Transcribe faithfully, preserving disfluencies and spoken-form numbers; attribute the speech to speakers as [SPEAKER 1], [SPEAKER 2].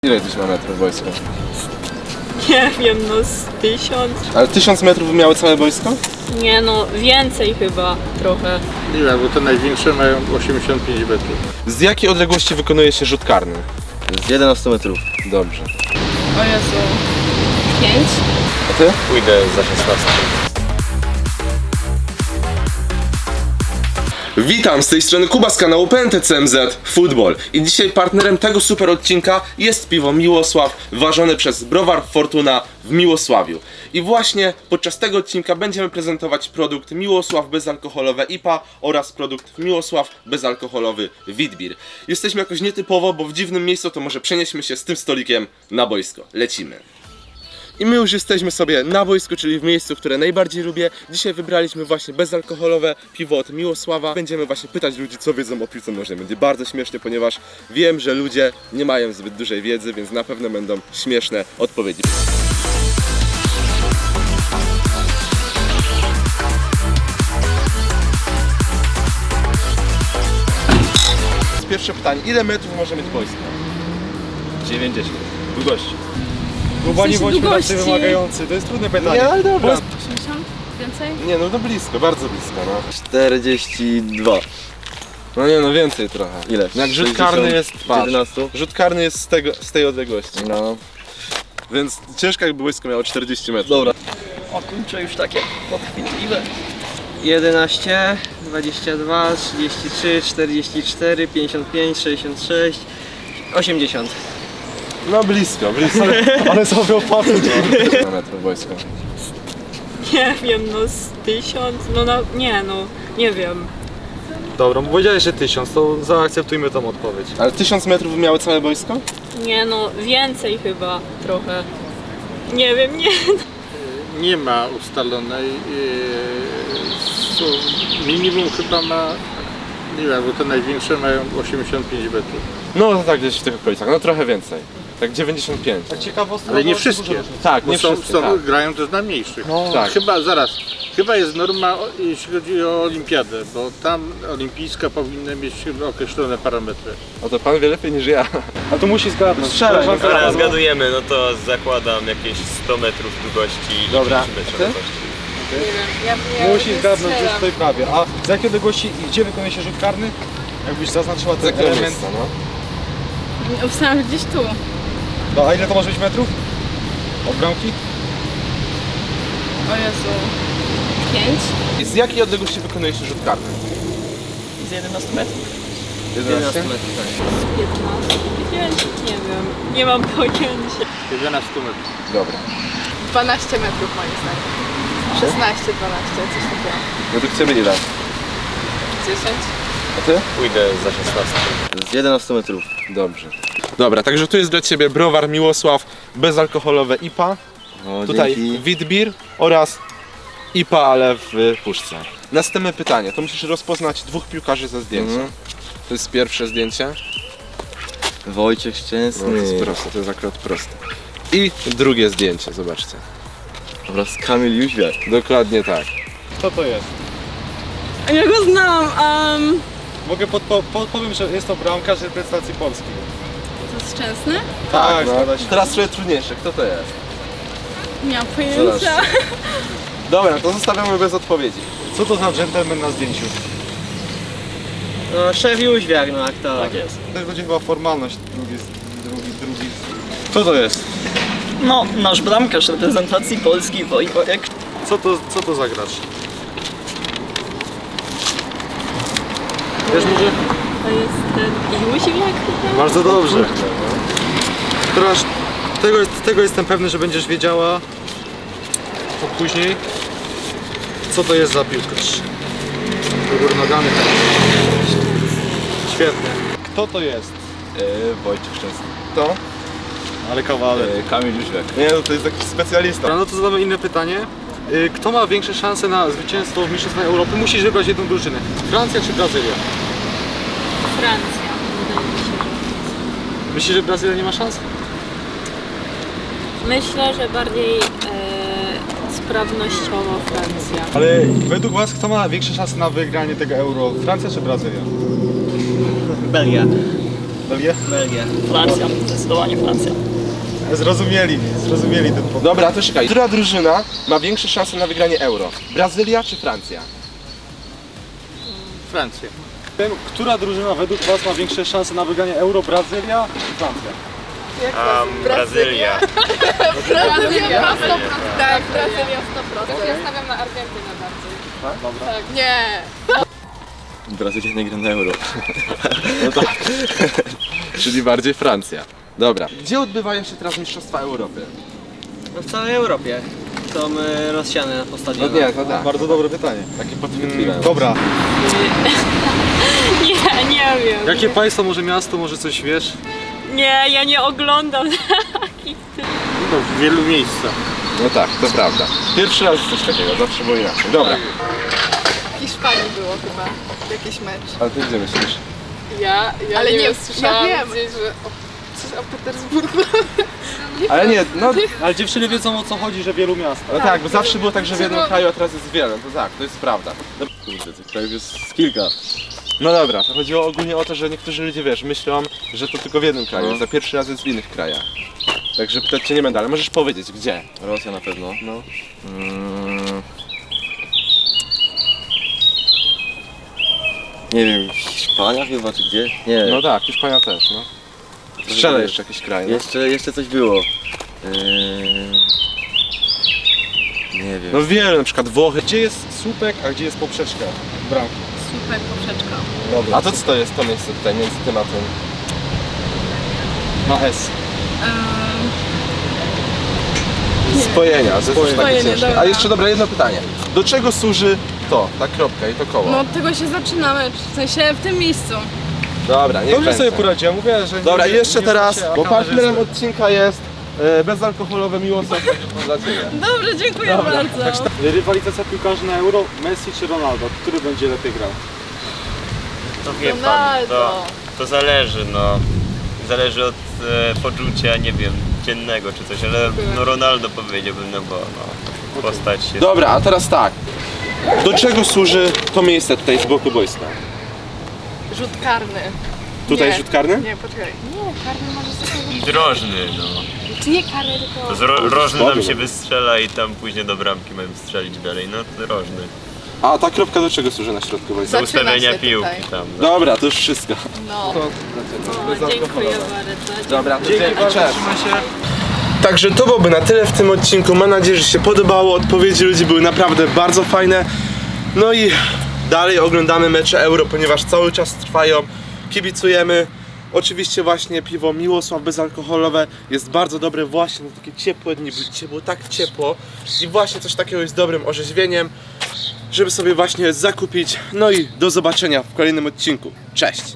[SPEAKER 1] Ile gdzieś ma metrów wojsko?
[SPEAKER 2] Nie wiem, no z tysiąc.
[SPEAKER 1] Ale tysiąc metrów miało całe wojsko?
[SPEAKER 2] Nie no, więcej chyba trochę.
[SPEAKER 3] Nie wiem, bo te największe mają osiemdziesiąt pięć metrów.
[SPEAKER 1] Z jakiej odległości wykonuje się rzut karny?
[SPEAKER 4] Z jedenastu metrów.
[SPEAKER 1] Dobrze.
[SPEAKER 2] O Jezu. Pięć?
[SPEAKER 1] A ty?
[SPEAKER 4] Pójdę za szesnastką.
[SPEAKER 1] Witam, z tej strony Kuba z kanału P N T C M Z Football i dzisiaj partnerem tego super odcinka jest piwo Miłosław ważone przez Browar Fortuna w Miłosławiu. I właśnie podczas tego odcinka będziemy prezentować produkt Miłosław bezalkoholowe I P A oraz produkt Miłosław bezalkoholowy Witbier. Jesteśmy jakoś nietypowo, bo w dziwnym miejscu, to może przenieśmy się z tym stolikiem na boisko. Lecimy. I my już jesteśmy sobie na boisku, czyli w miejscu, które najbardziej lubię. Dzisiaj wybraliśmy właśnie bezalkoholowe piwo od Miłosława. Będziemy właśnie pytać ludzi, co wiedzą o piłce nożnej. Będzie bardzo śmiesznie, ponieważ wiem, że ludzie nie mają zbyt dużej wiedzy, więc na pewno będą śmieszne odpowiedzi. Pierwsze pytanie, ile metrów może mieć boisko? dziewięćdziesiąt. Długości.
[SPEAKER 5] Kuba, nie
[SPEAKER 2] W sensie
[SPEAKER 5] bądźmy tak
[SPEAKER 2] długości.
[SPEAKER 5] wymagający, to jest trudne pytanie.
[SPEAKER 1] Nie, ale dobra.
[SPEAKER 2] osiemdziesiąt? Więcej?
[SPEAKER 1] Nie, no to blisko, bardzo blisko, no.
[SPEAKER 4] czterdzieści dwa.
[SPEAKER 1] No nie, no więcej trochę.
[SPEAKER 4] Ile?
[SPEAKER 1] Jak rzut
[SPEAKER 4] sześćdziesiąt
[SPEAKER 1] karny jest,
[SPEAKER 4] z
[SPEAKER 1] patrz,
[SPEAKER 4] jedenastu?
[SPEAKER 1] rzut karny jest z, tego, z tej odległości.
[SPEAKER 4] No.
[SPEAKER 1] Więc ciężko, jakby boisko miało czterdzieści metrów.
[SPEAKER 4] Dobra.
[SPEAKER 6] O kurczę, już takie podchwytliwe. jedenaście, dwadzieścia dwa, trzydzieści trzy, czterdzieści cztery, pięćdziesiąt pięć, sześćdziesiąt sześć, osiemdziesiąt.
[SPEAKER 1] No blisko, blisko.
[SPEAKER 5] Ale sobie opłacić.
[SPEAKER 1] Na metrów boisko.
[SPEAKER 2] Nie wiem, no z tysiąc. No na, nie no, nie wiem.
[SPEAKER 5] Dobra, bo powiedziałeś, że tysiąc, to zaakceptujmy tą odpowiedź.
[SPEAKER 1] Ale tysiąc metrów miało całe boisko?
[SPEAKER 2] Nie no, więcej chyba trochę. Nie wiem, nie.
[SPEAKER 3] Nie ma ustalonej. Yy, są, minimum chyba ma. Nie wiem, bo te największe mają osiemdziesiąt pięć metrów.
[SPEAKER 1] No to tak gdzieś w tych okolicach, no trochę więcej. Tak dziewięćdziesiąt pięć.
[SPEAKER 5] Tak ciekawostka.
[SPEAKER 3] Ale nie
[SPEAKER 5] bo-
[SPEAKER 3] wszystkie.
[SPEAKER 1] Tak,
[SPEAKER 3] Bo
[SPEAKER 1] nie
[SPEAKER 3] są,
[SPEAKER 1] wszyscy,
[SPEAKER 3] są,
[SPEAKER 1] tak.
[SPEAKER 3] grają też na mniejszych.
[SPEAKER 5] No,
[SPEAKER 1] Tak.
[SPEAKER 3] Chyba zaraz. Chyba jest norma, o- jeśli chodzi o olimpiadę, bo tam olimpijska powinna mieć chyba określone parametry.
[SPEAKER 1] O to pan wie lepiej niż ja.
[SPEAKER 5] A tu musi zgadnąć.
[SPEAKER 1] Strzelaj,
[SPEAKER 5] Koleżanka
[SPEAKER 4] Dobra,
[SPEAKER 5] razem-
[SPEAKER 4] zgadujemy, no to zakładam jakieś sto metrów długości i
[SPEAKER 1] Dobra.
[SPEAKER 4] trzydzieści metrów
[SPEAKER 1] Ty?
[SPEAKER 4] szerokości.
[SPEAKER 2] Nie wiem, ja, ja
[SPEAKER 5] Musi zgadnąć, już tutaj prawie. A z jakiej odległości i gdzie wykonuje się rzut karny? Jakbyś zaznaczyła
[SPEAKER 1] Z
[SPEAKER 5] ten
[SPEAKER 1] jakiego
[SPEAKER 5] element.
[SPEAKER 1] miejsca, no?
[SPEAKER 2] Obstałam, że gdzieś tu.
[SPEAKER 5] No, a ile to może być metrów? Od bramki?
[SPEAKER 2] O Jezu. Pięć?
[SPEAKER 1] I z jakiej odległości wykonuje się rzut karny?
[SPEAKER 6] Z jedenastu metrów.
[SPEAKER 1] jedenaście?
[SPEAKER 2] piętnaście? Pięć? Nie wiem. Nie mam pojęcia.
[SPEAKER 3] jedenaście metrów.
[SPEAKER 1] Dobra.
[SPEAKER 7] dwanaście metrów moim zdaniem. szesnaście, dwanaście, coś takiego.
[SPEAKER 1] Według ciebie ile?
[SPEAKER 7] dziesięć.
[SPEAKER 1] A ty?
[SPEAKER 4] Pójdę za szesnastką. Z jedenastu metrów.
[SPEAKER 1] Dobrze. Dobra, także tu jest dla ciebie Browar Miłosław bezalkoholowe I P A.
[SPEAKER 4] O,
[SPEAKER 1] Tutaj
[SPEAKER 4] dzięki.
[SPEAKER 1] Witbier oraz I P A, ale w puszce. Następne pytanie, to musisz rozpoznać dwóch piłkarzy ze zdjęcia.
[SPEAKER 4] Mhm.
[SPEAKER 1] To jest pierwsze zdjęcie.
[SPEAKER 4] Wojciech
[SPEAKER 1] No, to
[SPEAKER 4] Szczęsny.
[SPEAKER 1] jest proste, to jest akurat proste. I drugie zdjęcie, zobaczcie.
[SPEAKER 4] Oraz Kamil Jóźwiak.
[SPEAKER 1] Dokładnie tak.
[SPEAKER 5] Kto to jest?
[SPEAKER 2] Ja go znam. Um,
[SPEAKER 5] Mogę podpo- podpowiem, że jest to bramkarz reprezentacji Polski.
[SPEAKER 2] to jest Szczęsny?
[SPEAKER 5] Tak,
[SPEAKER 1] no.
[SPEAKER 5] zgadza się.
[SPEAKER 1] Teraz trochę trudniejsze, kto to jest?
[SPEAKER 2] Nie mam
[SPEAKER 1] Zobaczcie.
[SPEAKER 2] pojęcia.
[SPEAKER 1] Dobra, to zostawiamy bez odpowiedzi.
[SPEAKER 5] Co to za dżentelmen na zdjęciu?
[SPEAKER 6] No, szef Jóźwiak, no aktor. Tak jest.
[SPEAKER 5] To będzie chyba formalność. Drugi, drugi, drugi. Kto to jest?
[SPEAKER 6] No, nasz bramkarz reprezentacji Polski, Wojtek.
[SPEAKER 5] Co to, co to za gracz? Wiesz może?
[SPEAKER 2] To jest ten Jóźwiak chyba?
[SPEAKER 5] Bardzo dobrze. Teraz tego, jest, tego jestem pewny, że będziesz wiedziała to później, co to jest za piłkarz. Wybór nogany. Świetnie. Kto to jest?
[SPEAKER 4] Wojciech Szczęsny.
[SPEAKER 1] To?
[SPEAKER 5] Ale kawaler.
[SPEAKER 4] Kamil Jóźwiak.
[SPEAKER 1] Nie, no to jest jakiś specjalista.
[SPEAKER 5] Dobra, no to zadamy inne pytanie. Y, Kto ma większe szanse na zwycięstwo w Mistrzostwach Europy? Musisz wybrać jedną drużynę. Francja czy Brazylia?
[SPEAKER 2] Francja. Wydaje mi się, że.
[SPEAKER 5] Myślisz, że Brazylia nie ma szans?
[SPEAKER 2] Myślę, że bardziej e, sprawnościowo Francja.
[SPEAKER 5] Ale według Was kto ma większe szanse na wygranie tego Euro? Francja czy Brazylia?
[SPEAKER 6] Belgia.
[SPEAKER 5] Belgię?
[SPEAKER 6] Belgia.
[SPEAKER 2] Francja, zdecydowanie Francja.
[SPEAKER 5] Zrozumieli, zrozumieli ten pomysł.
[SPEAKER 1] Dobra, to czekaj. Która drużyna ma większe szanse na wygranie Euro? Brazylia czy Francja?
[SPEAKER 3] Francja.
[SPEAKER 5] Która drużyna według Was ma większe szanse na wygranie Euro? Brazylia czy Francja?
[SPEAKER 4] A Brazylia.
[SPEAKER 7] Brazylia na sto procent. Tak, Brazylia sto procent. Ja stawiam na Argentynę bardziej.
[SPEAKER 5] Dobra.
[SPEAKER 7] Tak. Nie.
[SPEAKER 1] Brazylia nie gra na Euro. No tak. Czyli bardziej Francja. Dobra. Gdzie odbywają się teraz Mistrzostwa Europy?
[SPEAKER 6] No w całej Europie są y, rozsiane po
[SPEAKER 1] No
[SPEAKER 6] stadionach.
[SPEAKER 1] nie, no tak.
[SPEAKER 5] Bardzo dobre pytanie.
[SPEAKER 1] Takie podchwytliwe.
[SPEAKER 5] Dobra.
[SPEAKER 2] Nie, nie wiem.
[SPEAKER 5] Jakie państwo, może miasto, może coś wiesz?
[SPEAKER 2] Nie, ja nie oglądam takich.
[SPEAKER 3] No, w wielu miejscach.
[SPEAKER 1] No tak, to prawda. Pierwszy raz coś takiego, zawsze było inaczej. Dobra.
[SPEAKER 7] W Hiszpanii było chyba jakiś mecz.
[SPEAKER 1] Ale ty gdzie myślisz?
[SPEAKER 7] Ja, ja
[SPEAKER 8] Ale
[SPEAKER 7] nie,
[SPEAKER 8] nie,
[SPEAKER 7] wiem,
[SPEAKER 8] ja
[SPEAKER 7] słyszałam
[SPEAKER 8] wiem.
[SPEAKER 7] gdzieś, że o, coś o Petersburgu.
[SPEAKER 1] Ale nie, no,
[SPEAKER 5] Ale dziewczyny wiedzą, o co chodzi, że wielu miast.
[SPEAKER 1] no tak, bo zawsze było tak, że w jednym
[SPEAKER 7] No.
[SPEAKER 1] kraju, a teraz jest wiele. No to tak, to jest prawda. No, kurde, tych krajów jest z kilka. No dobra, to chodziło ogólnie o to, że niektórzy ludzie, wiesz, myślą, że to tylko w jednym kraju,
[SPEAKER 4] No.
[SPEAKER 1] za pierwszy raz jest w innych krajach. Także pytać cię nie będę, ale możesz powiedzieć, gdzie?
[SPEAKER 4] Rosja na pewno.
[SPEAKER 1] No.
[SPEAKER 4] Mm. Nie wiem, Hiszpania chyba czy gdzie? Nie.
[SPEAKER 1] No tak, Hiszpania też, no. Strzelę jeszcze jakiś kraj, no.
[SPEAKER 4] Jeszcze, jeszcze coś było. Eee... Nie wiem.
[SPEAKER 1] No wiele, na przykład Włochy.
[SPEAKER 5] Gdzie jest słupek, a gdzie jest poprzeczka bramki?
[SPEAKER 7] Super poprzeczka.
[SPEAKER 5] Dobra.
[SPEAKER 1] A to co to jest to miejsce tutaj, między tym a tym?
[SPEAKER 5] Na S.
[SPEAKER 1] Spojenia, to jest już takie
[SPEAKER 8] Spojenie,
[SPEAKER 1] ciężkie.
[SPEAKER 8] dobra.
[SPEAKER 1] A jeszcze dobra, jedno pytanie. Do czego służy to, ta kropka i to koło?
[SPEAKER 8] No od tego się zaczynamy, w sensie w tym miejscu.
[SPEAKER 1] Dobra, nie
[SPEAKER 5] Dobrze sobie poradziłem, mówię, że...
[SPEAKER 1] Dobra,
[SPEAKER 5] nie,
[SPEAKER 1] jeszcze
[SPEAKER 5] nie
[SPEAKER 1] teraz,
[SPEAKER 5] znacie, a
[SPEAKER 1] bo
[SPEAKER 5] kamerzysta.
[SPEAKER 1] partnerem odcinka jest e, bezalkoholowe miłosław dla Ciebie.
[SPEAKER 8] Dobrze, dziękuję bardzo.
[SPEAKER 5] Rywalizacja piłkarzy na Euro, Messi czy Ronaldo? Który będzie lepiej grał?
[SPEAKER 4] To wie pan,
[SPEAKER 7] Ronaldo.
[SPEAKER 4] to, to zależy, no. Zależy od e, poczucia, nie wiem, dziennego czy coś, ale no Ronaldo powiedziałbym, no bo no, postać jest...
[SPEAKER 1] Dobra, a teraz tak. Do czego służy to miejsce tutaj z boku boiska?
[SPEAKER 7] Rzut karny.
[SPEAKER 1] Tutaj
[SPEAKER 7] Nie.
[SPEAKER 1] rzut karny?
[SPEAKER 7] Nie, poczekaj. Nie, karny może sobie...
[SPEAKER 4] Drożny, no.
[SPEAKER 7] Czy nie karny, tylko...
[SPEAKER 4] To z ro, rożny
[SPEAKER 1] słaby,
[SPEAKER 4] nam się
[SPEAKER 1] no.
[SPEAKER 4] wystrzela i tam później do bramki mają strzelić dalej, no to rożny.
[SPEAKER 1] A ta kropka do czego służy na środku boiska?
[SPEAKER 4] Do
[SPEAKER 7] Zaczyna
[SPEAKER 4] ustawienia
[SPEAKER 7] się
[SPEAKER 4] piłki
[SPEAKER 7] tutaj.
[SPEAKER 4] tam. No.
[SPEAKER 1] Dobra, to już wszystko.
[SPEAKER 7] No.
[SPEAKER 2] Dziękuję bardzo.
[SPEAKER 1] Dobra, to
[SPEAKER 5] Dzięki bardzo,
[SPEAKER 1] cześć.
[SPEAKER 5] trzymaj się.
[SPEAKER 1] Także to byłoby na tyle w tym odcinku. Mam nadzieję, że się podobało. Odpowiedzi ludzi były naprawdę bardzo fajne. No i dalej oglądamy mecze Euro, ponieważ cały czas trwają. Kibicujemy. Oczywiście właśnie piwo Miłosław bezalkoholowe jest bardzo dobre właśnie na takie ciepłe dni, bo dzisiaj było tak ciepło i właśnie coś takiego jest dobrym orzeźwieniem, żeby sobie właśnie zakupić. No i do zobaczenia w kolejnym odcinku. Cześć!